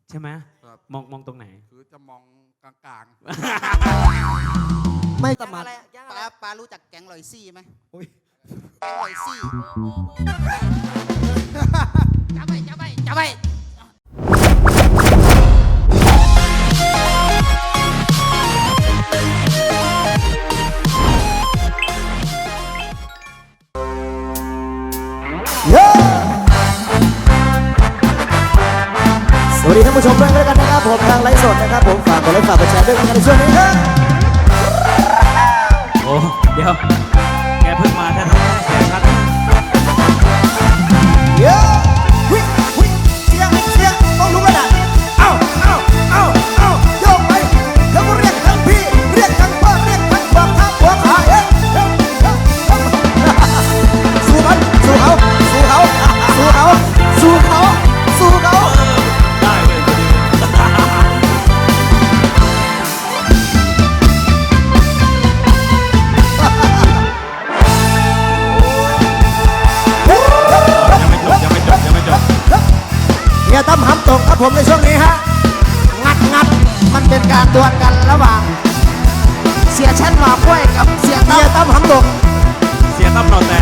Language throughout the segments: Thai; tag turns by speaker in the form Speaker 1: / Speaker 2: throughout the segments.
Speaker 1: ใช่ไหม
Speaker 2: ครับ
Speaker 1: มองตรงไหน
Speaker 2: คือจะมองกลาง
Speaker 3: ไม่ส
Speaker 4: แก๊ง
Speaker 3: มั
Speaker 4: อะ
Speaker 3: คร
Speaker 4: ไรปลารู้จักแก๊งลอยซี่ไหม
Speaker 3: อุ๊ย
Speaker 4: แก๊งลอยซี่จับไป
Speaker 3: สวัสดีท่านผู้ชมด้วยกันนะครับผมทางไลฟ์สดนะครับผมฝากกดไลค์ฝากกดแชร์ด้วยกันในช่วงนี้ครับ
Speaker 1: โอ้เดี๋ยวแกเพิ่งมาแท้ๆเสียชัด
Speaker 3: เยอะวิวิเสียงต้องรู้กันนะเอ้าโยกไปแล้วก็เรียกทั้งพี่เรียกทั้งพ่อเรียกทั้งบอกทั้งหัวขาสู้มันสู้เขา
Speaker 1: ได้เลยพอดียังไม่จบ
Speaker 3: เฮียตั้มหำตกครับผมในช่วงนี้ฮะงัดมันเป็นการดวลกันระหว่างเสียชั้นหมอกล้วยกับเสียตั้มหำตก
Speaker 1: เสียตั้มนอนแต่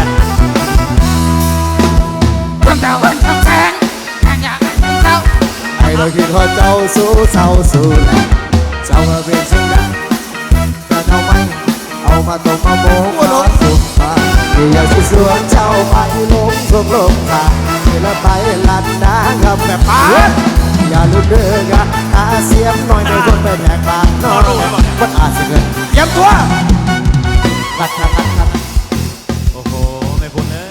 Speaker 3: ให้เราคิดว่าเจ้าสู้เศร้าสู้แหละเจ้ามาเป็นสิ่งใดแต่ทำไมเอามาตกมาโมกมาสุขมาอยากจะสวนเจ้าไปลงทุกลมขาแล้วไปลัดน้ำกับแบบป้าอย่าลืมเด้อกะหาเสียมหน่อยในคนไปแหกปากน้อยมันอาจจะเกินเยี่ยมตัวรัด
Speaker 1: โอ้โหไม่พ้นเลย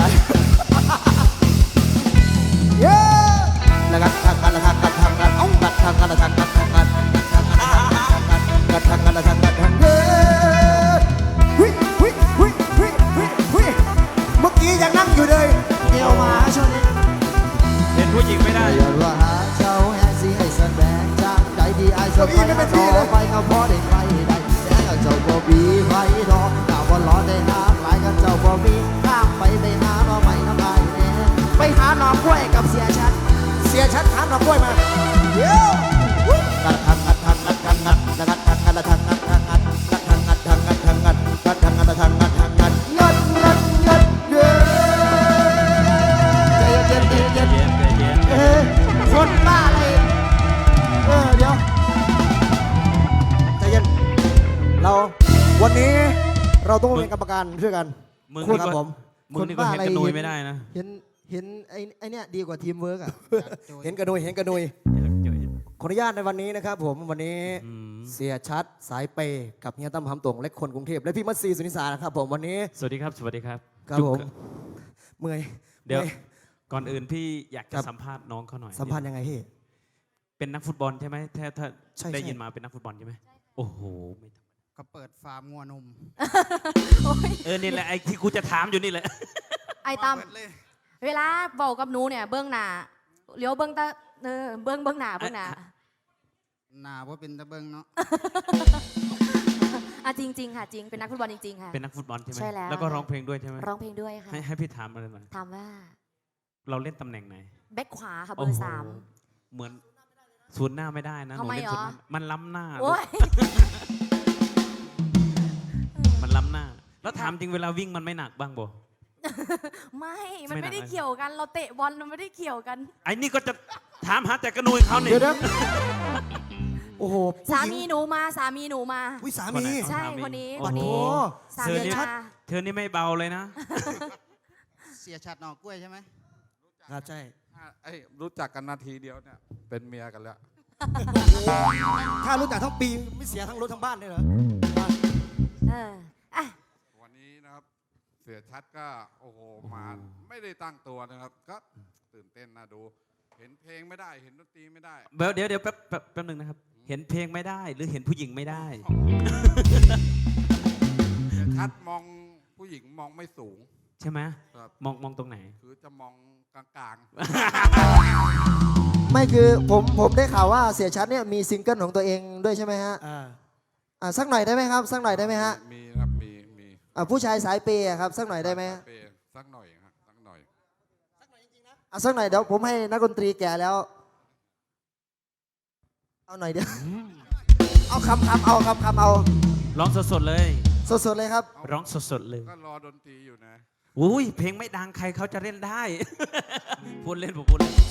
Speaker 3: เย้แล้วก็ทางกันเอากัดทางกันเมื่อกี้ยังนั่งอยู่เลยเกี่ยวมาชน
Speaker 1: เห็นผู้หญิงไม่ได้
Speaker 3: อย่าว่าหาเจ้าแห่สิให้แสดงจากใจดีไอ้สมัยต่อไปก็พอได้ใครได้แสงเจ้าบ่บีไฟทอดาวบ่ล้อได้น้ำไหลกันเจ้าบ่มีข้ามไปได้หาเราไม่น้ำลายแน่ไปหาหน่อกล้วยกับเสียชัดหาหน่อกล้วยมาเดี๋ยวกัดทางคนบ้าอะไรเดี๋ยวใจเย็นวันนี้เราต้องเป็นกรรมการช่วยกัน
Speaker 1: มึง
Speaker 3: คุณ
Speaker 1: นี่
Speaker 3: ครับ
Speaker 1: ก็
Speaker 3: ผม
Speaker 1: มึงนี่ก็เห็นกระนุยไม่ได้นะ
Speaker 3: เห็นไอ้เนี่ยดีกว่าทีมเวิร์กอ่ะ เห็นกระนุยขออนุญาตในวันนี้นะครับผมวันนี้เสียชัดสายเปย์กับเฮียตั้มหำตงและคนกรุงเทพและพี่มัตซีสุนิสานะครับผมวันนี้
Speaker 1: สวัสดีครับ
Speaker 3: ครับผมเมื่อย
Speaker 1: เดี๋ยวก่อนอื่นพี่อยากจะสัมภาษณ์น้องเขาหน่อย
Speaker 3: สัมพันธ์ยังไงพี่
Speaker 1: เป็นนักฟุตบอลใช่ไหมถ้า
Speaker 3: ใช่
Speaker 1: ได้ยินมาเป็นนักฟุตบอลใช่ไหมโอ้โหไม่ธรรมดา
Speaker 4: ก็เปิดฟาร์มงัวนม
Speaker 1: นี่แหละไอ้ที่กูจะถามอยู่นี่แหละ
Speaker 5: ไอ้ตั้ม
Speaker 4: เปิดเลย
Speaker 5: เวลาบอกกับหนูเนี่ยเบื้องหน้าเลี้ยวเบื้องตาเบื้องหน้า
Speaker 4: หนาว่าเป็นตะเบิงเนาะ
Speaker 5: จริงค่ะจริงเป็นนักฟุตบอลจริงๆค่ะ
Speaker 1: เป็นนักฟุตบอลใช่ไหม
Speaker 5: ใช่แล้ว
Speaker 1: แล้วก็ร้องเพลงด้วยใช่ไหม
Speaker 5: ร้องเพลงด้วยค่ะ
Speaker 1: ให้พี่ถามอะไรหน่อย
Speaker 5: ถามว่า
Speaker 1: เราเล่นตำแหน่งไหน
Speaker 5: แบ็คขวาค่ะเบ
Speaker 1: โอ้
Speaker 5: อ
Speaker 1: โห
Speaker 5: ร์สาม
Speaker 1: เหมือนศูนย์หน้าไม่ได้นะห
Speaker 5: ทำ
Speaker 1: นู
Speaker 5: ไม
Speaker 1: เล่น
Speaker 5: หรอ
Speaker 1: ศูนย์หน้ามันล้ำหน้า
Speaker 5: โอ้ย
Speaker 1: มันล้ำหน้า แล้วถามจริงเวลาวิ่งมันไม่หนักบ้างบ่
Speaker 5: ไม่มัน
Speaker 1: ไม่หนั
Speaker 5: ไม่
Speaker 1: ก
Speaker 5: ได้
Speaker 1: เลย
Speaker 5: เกี่ยวกันเราเตะบอลมันไม่ได้เกี่ยวกัน
Speaker 1: ไอ้นี่ก็จะถามหาแต่กระนุยเขาเนี่ย
Speaker 3: เดี๋ยวโอ้โห
Speaker 5: สามีหนูมา
Speaker 3: วิสามี
Speaker 5: ใช่คนนี้
Speaker 1: โอ้
Speaker 5: คน
Speaker 1: โห
Speaker 5: นี้สา
Speaker 1: เธอ
Speaker 5: มี
Speaker 1: นี่
Speaker 5: มา
Speaker 1: เธอนี่ไม่เบาเลยนะ
Speaker 4: เสียชัดหนอกล้วยใช่ไหม
Speaker 3: ครับใช่
Speaker 2: รู้จักกันนาทีเดียวเนี่ยเป็นเมียกันแล้ว
Speaker 3: ถ้ารู้จักทั้งปีไม่เสียทั้งรถทั้งบ้านเลยเหรอ
Speaker 5: อ่ะ
Speaker 2: วันนี้นะครับเสียชัดก็โอ้โหมาไม่ได้ตั้งตัวนะครับ ก็ตื่นเต้นน่าดู เห็นเพลงไม่ได้เห็นดนตรีไม่ได้
Speaker 1: เดี๋ยวแป๊บนึงนะครับ เห็นเพลงไม่ได้หรือเห็นผู้หญิงไม่ได้
Speaker 2: เสียชัดมองผู้หญิงมองไม่สูง
Speaker 1: ใช่ไหม
Speaker 2: ครับ
Speaker 1: มองตรงไหน
Speaker 2: คือจะมองกลาง
Speaker 3: ไม่คือผมได้ข่าวว่าเสียชัดเนี่ยมีซิงเกิลของตัวเองด้วยใช่ไหมฮะสักหน่อยได้ไหมครับสักหน่อยได้ไหมฮะ
Speaker 2: มีครับมี
Speaker 3: ผู้ชายสายเปย์อะครับสักหน่อยได้ไหมฮะ
Speaker 2: สักหน่อยฮะสักหน่อย
Speaker 3: สักหน่อยเดี๋ยวผมให้นักดนตรีแก่แล้วเอาหน่อยเดียวเอาคำเอาคำเอา
Speaker 1: ร้องสดๆเลย
Speaker 3: สดๆเลยครับ
Speaker 1: ร้องสดๆเลย
Speaker 2: ก็รอดนตรีอยู่นะ
Speaker 1: อุ้ยเพลงไม่ดังใครเขาจะเล่นได้ พูดเล่นผมพูดเล่น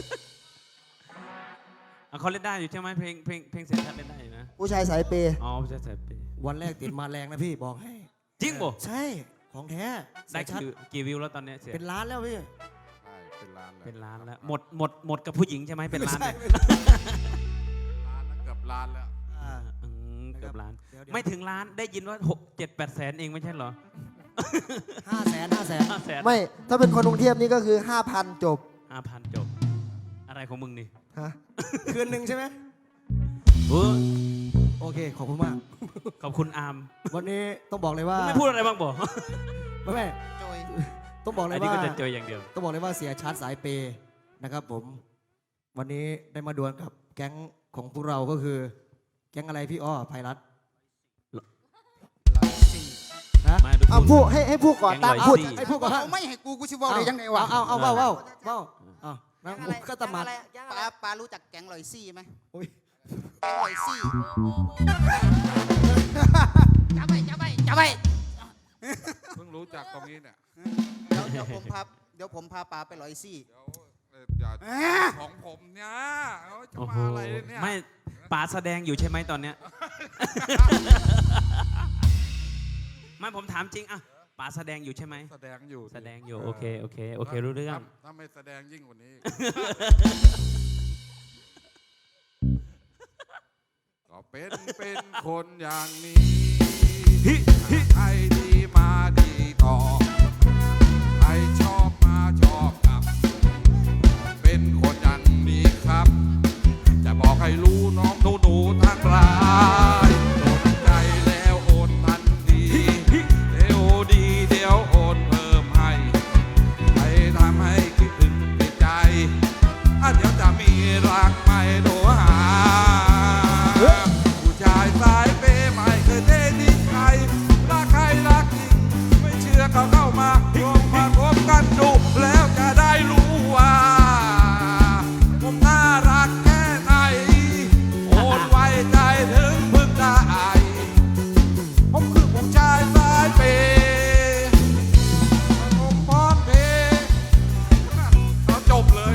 Speaker 1: อ่ะเขาเล่นได้อยู่ใช่ไหมเพลงเสียชัดเล่นได้อยู่นะ
Speaker 3: ผู้ชายสายเปย์
Speaker 1: อ๋อใช่ใช่เปย์
Speaker 6: วันแรกติดมาแรงนะพี่บอกให้
Speaker 1: จริงบ่
Speaker 6: ใช่ของแท้
Speaker 1: ได้
Speaker 6: เสียชัด
Speaker 1: กี่วิวแล้วตอนเนี้ยเสีย
Speaker 6: เป็นล้านแล้วพี่
Speaker 2: ใช่เป็นล้านแล้ว
Speaker 1: เป็นล้านแล้วหมดกับผู้หญิงใช่ไหมเป็นล้านเนี่ย
Speaker 2: ล้านแล้วเกือบล้านแล้ว
Speaker 6: อ่า
Speaker 1: เกือบล้าน
Speaker 6: เดี๋ยว
Speaker 1: ไม่ถึงล้านได้ยินว่า6-7-8 แสนเองไม่ใช่เหรอ
Speaker 6: 500,000
Speaker 1: 5 แสน
Speaker 3: ไม่ถ้าเป็นคนกรุงเทพนี่ก็คือ 5,000 จบ
Speaker 1: 5,000จบ อะไรของมึงนี่
Speaker 3: ฮะ
Speaker 6: คืนหนึ่งใช่ไหม
Speaker 1: โอ้
Speaker 6: โอเคขอบคุณมาก
Speaker 1: ขอบคุณอาร์ม
Speaker 6: วันนี้ต้องบอกเลยว่า
Speaker 1: มึงไม่พูดอะไรบ้างบ่
Speaker 6: ไม่
Speaker 4: โจย
Speaker 6: ต้องบอกเล
Speaker 1: อั
Speaker 6: ย
Speaker 1: นนี้
Speaker 6: ว่า
Speaker 1: ก็จะเจออย่างเดียว
Speaker 6: ต้องบอกเลยว่าเสียชัดสายเปย์นะครับผม วันนี้ได้มาดวลกับแก๊งของพวกเราก็คือ แก๊งอะไรพี่อ้อภัยรัตน์ นะ
Speaker 1: มาดู
Speaker 3: เอา
Speaker 1: พู
Speaker 3: พู
Speaker 1: ด
Speaker 3: ดให้ผู้ก่อตั้ง
Speaker 1: แก๊ง
Speaker 3: พูด
Speaker 1: 104
Speaker 6: ให้พูดก่อน
Speaker 4: เอาไม่ให้กูชิบอกเลยยังไงวะ
Speaker 6: เอานะก็ตะหมัด
Speaker 4: ปลารู้จักแกงลอยซี่ไหม
Speaker 6: อุ๊ย
Speaker 4: แกงลอยซี่จับไปจับไป
Speaker 2: เพิ่งรู้จักตรงนี้เนี่ย
Speaker 4: เดี๋ยวผมพาปลาไปลอยซี่
Speaker 2: เดี๋ยวอย่าของผมเนี่ยเอาจะ
Speaker 1: โอ้โห
Speaker 2: มาอะไรเนี่ย
Speaker 1: ไม่ป๋าแสดงอยู่ใช่ไหมตอนเนี้ย ไม่ผมถามจริงอะป๋าแสดงอยู่ใช่ไหม
Speaker 2: แสดงอยู่
Speaker 1: แสดงอยู่โอเครู้เรื่อง
Speaker 2: ถ้าไม่แสดงยิ่งกว่านี้ ก็เป็นคนอย่างนี้ใครดีมาดีต่อใครชอบมาชอบกลับ เป็นคนอย่างนี้ครับ จะบอกให้รู้น้องหนูทั้งหลายสนใจแล้วโอนทันทีเดี๋ยวดีเดี๋ยวโอนเพิ่มให้ให้ทำให้คิดถึงติดใจเดี๋ยวจะมีรักไม่โทรหาผู้ชายสายเปย์ไม่เคยเททิ้งใครรักใครรักจริงไม่เชื่อก็เข้ามาลองมาคบกันดูแล้วจะได้รู้ว่าผมน่ารักแค่ไหนโอนไว้ใจถึงพึ่งได้ผมคือผู้ชายสายเปย์ผมพร้อมเพย์เอาจบเลย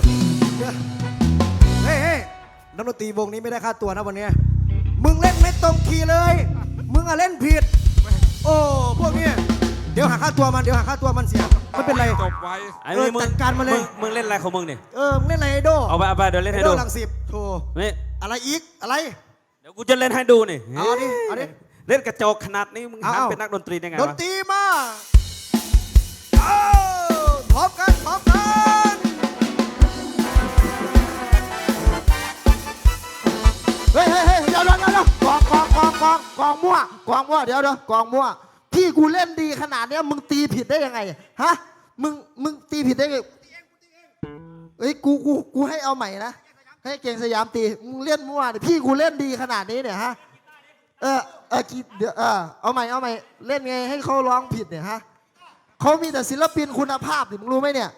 Speaker 6: เฮ้ยนักดนตรีวงนี้ไม่ได้ค่าตัวนะวันเนี้ยมึงเล่นไม่ตรงคีย์เลย มึงอะเล่นผิด โอ้พวกเนี้ยเดี๋ยวหาค่าตัวมันเสียไม่เป็นไร
Speaker 2: จบไว้
Speaker 1: ไอ้นี่มึง
Speaker 6: จัดการมาเลย
Speaker 1: มึงเล่นอะไรของมึงเนี่ย
Speaker 6: มึงเล่นอะไรไอโด
Speaker 1: เอาไปเดี๋ยวเล่นให้
Speaker 6: ไอโด
Speaker 1: ดู
Speaker 6: ลังสิบโธ่
Speaker 1: นี่
Speaker 6: อะไรอีกอะไร
Speaker 1: เดี๋ยวกูจะเล่นให้ดูนี่
Speaker 6: เอาดิเอาดิ
Speaker 1: เล่นกระจอกขนาดนี้มึง
Speaker 6: เอา
Speaker 1: หันเป็นนักดนตรีได้ไง
Speaker 6: ดน
Speaker 1: วะ
Speaker 6: ตรีมาเอาพร้อมกัน
Speaker 3: เฮ้ยเดี๋ยวกองมั่วเดี๋ยวกองมั่วพี่กูเล่นดีขนาดเนี้ยมึงตีผิดได้ยังไงฮะมึงตีผิดได้ไงเฮ้ยกูให้เอาใหม่นะให้เก่งสยามตีมึงเล่นมั่วดิพี่กูเล่นดีขนาดนี้เนี่ยฮะเดี๋ยวเอาใหม่เล่นไงให้เขาร้องผิดเนี่ยฮะเขามีแต่ศิลปินคุณภาพดิมึงรู้ไหมเนี่ย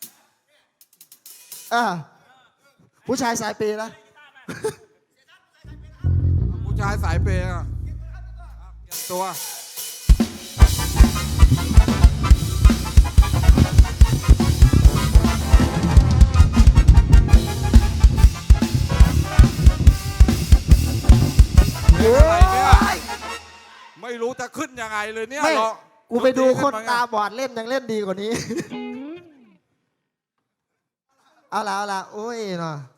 Speaker 3: ผู้ชายสายเปย์นะ
Speaker 2: ผู้ชายสายเปย์อะเตรียมตัว เพลงอะไรเนี่ยไม่รู้จะขึ้นยังไงเลยเนี่ย
Speaker 3: ไม่
Speaker 2: หรอ
Speaker 3: กูไปดูคน
Speaker 2: ขึ้มไง
Speaker 3: ตาบอดเล่นยังเล่นดีกว่านี้ เอาละโอ้ยเนาะ